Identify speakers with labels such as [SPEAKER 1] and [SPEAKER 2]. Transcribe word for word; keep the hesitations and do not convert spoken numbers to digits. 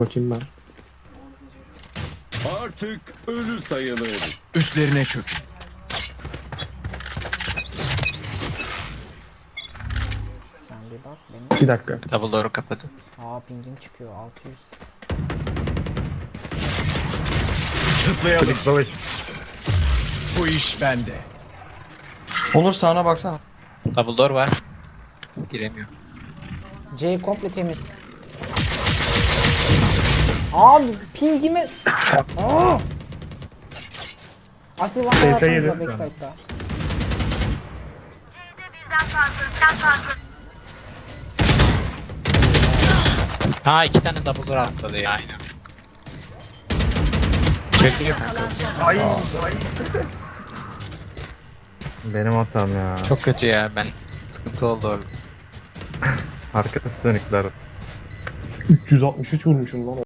[SPEAKER 1] Bakayım ben.
[SPEAKER 2] Artık ölü sayılır.
[SPEAKER 3] Üstlerine çökün.
[SPEAKER 4] Sen bir bak benim.
[SPEAKER 1] iki dakika.
[SPEAKER 5] Double door'u kapadı.
[SPEAKER 4] Aa pingim çıkıyor altı yüz.
[SPEAKER 3] Zıplayalım.
[SPEAKER 6] Klik savaş.
[SPEAKER 3] Bu iş bende.
[SPEAKER 6] Onur sağına baksana.
[SPEAKER 5] Double door var. Giremiyor.
[SPEAKER 4] C komple temiz. Abi pingimi. Aa! Asil var
[SPEAKER 6] Seyfe
[SPEAKER 4] atsanıza
[SPEAKER 6] yedim.
[SPEAKER 4] backside'da.
[SPEAKER 5] Ha iki tane double door atladı ya aynen. Çekiyor kanka.
[SPEAKER 6] Ay. Benim hatam ya.
[SPEAKER 5] Çok kötü ya ben. Sıkıntı oldu orada.
[SPEAKER 6] Arkası sönükler.
[SPEAKER 1] üç yüz altmış üç vurmuşum lan.